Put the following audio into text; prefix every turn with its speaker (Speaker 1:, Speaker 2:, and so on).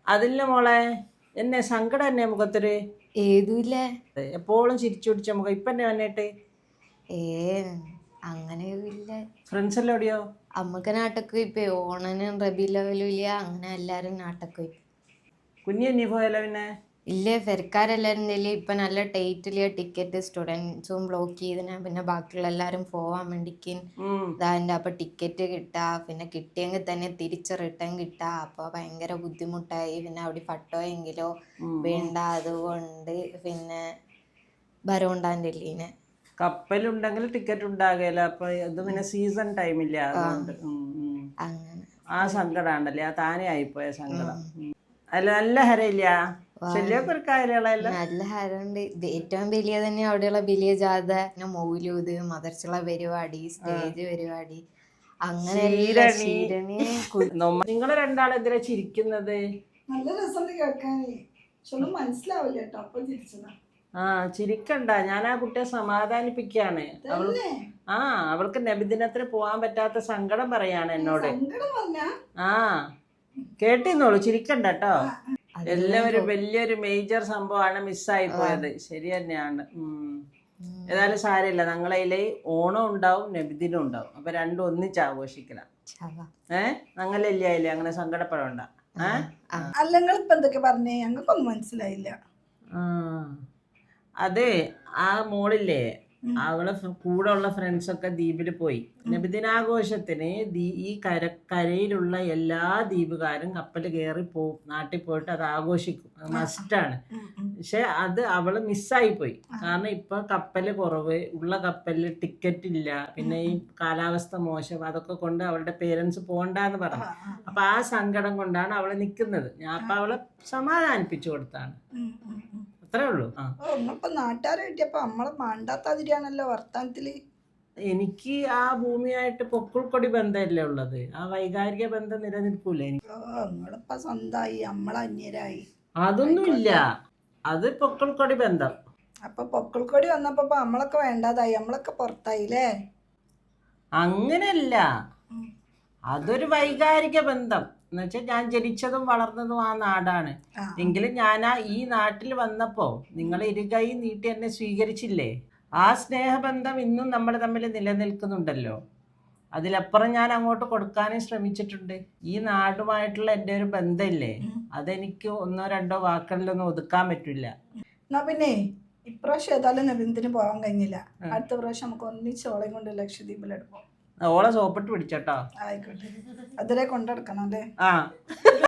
Speaker 1: അതില്ല മോളെ, എന്നെ സങ്കടം എന്നെ മുഖത്തൊരു
Speaker 2: ഏതുമില്ല.
Speaker 1: എപ്പോഴും ചിരിച്ചു പിടിച്ച മുഖം ഇപ്പൊ എന്നെ വന്നിട്ട്.
Speaker 2: ഏ അങ്ങനെയൊന്നുമില്ല.
Speaker 1: ഫ്രണ്ട്സ് എല്ലാം എവിടെയോ?
Speaker 2: അമ്മക്ക് നാട്ടൊക്കെ പോയിപ്പോ ഓണനും റബി ലെവലും ഇല്ല, അങ്ങനെ എല്ലാരും നാട്ടൊക്കെ പോയി.
Speaker 1: കുഞ്ഞി പോയല്ലോ പിന്നെ.
Speaker 2: ഇല്ലേ, പെരക്കാരെല്ലാരും ഇല്ലേ ഇപ്പൊ നല്ല ടൈറ്റില് ടിക്കറ്റ് സ്റ്റുഡൻസും ബ്ലോക്ക് ചെയ്തിനാ, പിന്നെ ബാക്കിയുള്ള എല്ലാരും പോവാൻ വേണ്ടിക്ക് ഇതാൻ്റെ. അപ്പൊ ടിക്കറ്റ് കിട്ടാ, പിന്നെ കിട്ടിയെങ്കിൽ തന്നെ തിരിച്ച് റിട്ടേൺ കിട്ടാ. അപ്പൊ ഭയങ്കര ബുദ്ധിമുട്ടായി. പിന്നെ അവിടെ പട്ടോയെങ്കിലോ വേണ്ട, അതുകൊണ്ട് പിന്നെ വരവുണ്ടാൻ്റെ ഇല്ലീനെ.
Speaker 1: കപ്പലുണ്ടെങ്കിൽ ടിക്കറ്റ് ഉണ്ടാകില്ല. അപ്പൊ ഇത് പിന്നെ സീസൺ ടൈമില്ല, അതുകൊണ്ട്
Speaker 2: അങ്ങനെ
Speaker 1: ആ സങ്കടാണ്ടല്ലേ, ആ താനെ ആയിപ്പോയ സങ്കടം. അല്ല നല്ല ഹരയില്ല, ശല്യമൊക്കെ ഒരു കാര്യമുള്ള
Speaker 2: നല്ല ഹരമുണ്ട്. ഏറ്റവും വലിയ തന്നെ അവിടെയുള്ള വലിയ ജാഥ, പിന്നെ മൗലൂദ്, മദർസുള്ള പരിപാടി, സ്റ്റേജ് പരിപാടി, അങ്ങനെ
Speaker 1: നിങ്ങള് രണ്ടാളെന്തിനാ ചിരിക്കുന്നത്?
Speaker 3: നല്ല രസമുണ്ട് കേൾക്കാനേ, പക്ഷെ മനസ്സിലാവില്ല കേട്ടോ. അപ്പൊ ചിരിച്ചതാ.
Speaker 1: ആ ചിരിക്കണ്ട, ഞാൻ ആ കുട്ടിയെ സമാധാനിപ്പിക്കാണ്. അവൾക്ക് നബിദിനത്തിന് പോവാൻ പറ്റാത്ത സങ്കടം പറയാണ് എന്നോട്. ആ കേട്ടിന്നോളൂ, ചിരിക്കണ്ട കേട്ടോ. എല്ലാവരും വലിയൊരു മേജർ സംഭവമാണ് മിസ്സായി പോയത്. ശരി തന്നെയാണ്. ഏതായാലും സാരമില്ല, ഞങ്ങളതില് ഓണം ഉണ്ടാവും നബിദിനം ഉണ്ടാവും, അപ്പൊ രണ്ടും ഒന്നിച്ച് ആഘോഷിക്കണം. ഞങ്ങളില്ലേ അങ്ങനെ സങ്കടപ്പെടണ്ട.
Speaker 3: അല്ല, നിങ്ങളിപ്പോ എന്തൊക്കെ പറഞ്ഞേ? ഞങ്ങൾക്കൊന്നും മനസ്സിലായില്ല.
Speaker 1: അതെ, ആ മോളില്ലേ, അവളെ കൂടെ ഉള്ള ഫ്രണ്ട്സൊക്കെ ദ്വീപിൽ പോയി. നബിദിനാഘോഷത്തിന് ഈ കരയിലുള്ള എല്ലാ ദ്വീപുകാരും കപ്പൽ കയറി പോവും, നാട്ടിൽ പോയിട്ട് അത് ആഘോഷിക്കും, അത് മസ്റ്റാണ്. പക്ഷെ അത് അവള് മിസ്സായി പോയി. കാരണം ഇപ്പൊ കപ്പല് കുറവ്, ഉള്ള കപ്പലിൽ ടിക്കറ്റ് ഇല്ല, പിന്നെ ഈ കാലാവസ്ഥ മോശം, അതൊക്കെ കൊണ്ട് അവളുടെ പേരൻസ് പോണ്ടെന്ന് പറഞ്ഞു. അപ്പൊ ആ സങ്കടം കൊണ്ടാണ് അവള് നിൽക്കുന്നത്. ഞാൻ അപ്പൊ അവളെ സമാധാനിപ്പിച്ചു കൊടുത്താണ്, അത്രേ ഉള്ളൂ.
Speaker 3: നാട്ടുകാരെ കിട്ടിയപ്പോ നമ്മളെ മാണ്ടാത്താതിരിയാണല്ലോ വർത്താനത്തില്.
Speaker 1: എനിക്ക് ആ ഭൂമിയായിട്ട് പൊക്കിൾക്കൊടി ബന്ധമല്ലേ ഉള്ളത്, ആ വൈകാരിക ബന്ധം നിലനിൽക്കൂല എനിക്ക്.
Speaker 3: നിങ്ങളിപ്പോ സ്വന്തമായി, നമ്മളെ അന്യരായി.
Speaker 1: അതൊന്നുമില്ല, അത് പൊക്കിൾക്കൊടി ബന്ധം.
Speaker 3: അപ്പൊ പൊക്കിൾക്കൊടി വന്നപ്പോ നമ്മളൊക്കെ വേണ്ടാതായി, നമ്മളൊക്കെ പുറത്തായില്ലേ?
Speaker 1: അങ്ങനെയല്ല, അതൊരു വൈകാരിക ബന്ധം എന്ന് വെച്ചാൽ ഞാൻ ജനിച്ചതും വളർന്നതും ആ നാടാണ്. എങ്കിലും ഞാൻ ഈ നാട്ടിൽ വന്നപ്പോ നിങ്ങൾ ഇരുകൈ നീട്ടി എന്നെ സ്വീകരിച്ചില്ലേ, ആ സ്നേഹബന്ധം ഇന്നും നമ്മൾ തമ്മിൽ നിലനിൽക്കുന്നുണ്ടല്ലോ. അതിലപ്പുറം ഞാൻ അങ്ങോട്ട് കൊടുക്കാനും ശ്രമിച്ചിട്ടുണ്ട്. ഈ നാടുമായിട്ടുള്ള എൻ്റെ ഒരു ബന്ധമില്ലേ, അതെനിക്ക് ഒന്നോ രണ്ടോ വാക്കുകളിലൊന്നും ഒതുക്കാൻ പറ്റില്ല.
Speaker 3: എന്നാ പിന്നെ ഇപ്രാവശ്യം ഏതായാലും നബിദിനത്തിന് പോകാൻ കഴിഞ്ഞില്ല, അടുത്ത പ്രാവശ്യം നമുക്ക് ഒന്നിച്ചോളയും കൊണ്ട് ലക്ഷദ്വീപിലെടുപ്പോ.
Speaker 1: ഓളെ സോപ്പിട്ട് പിടിച്ചോട്ടോ.
Speaker 3: ആയിക്കോട്ടെ, അതിലെ കൊണ്ടെടുക്കണം അല്ലേ?
Speaker 1: ആ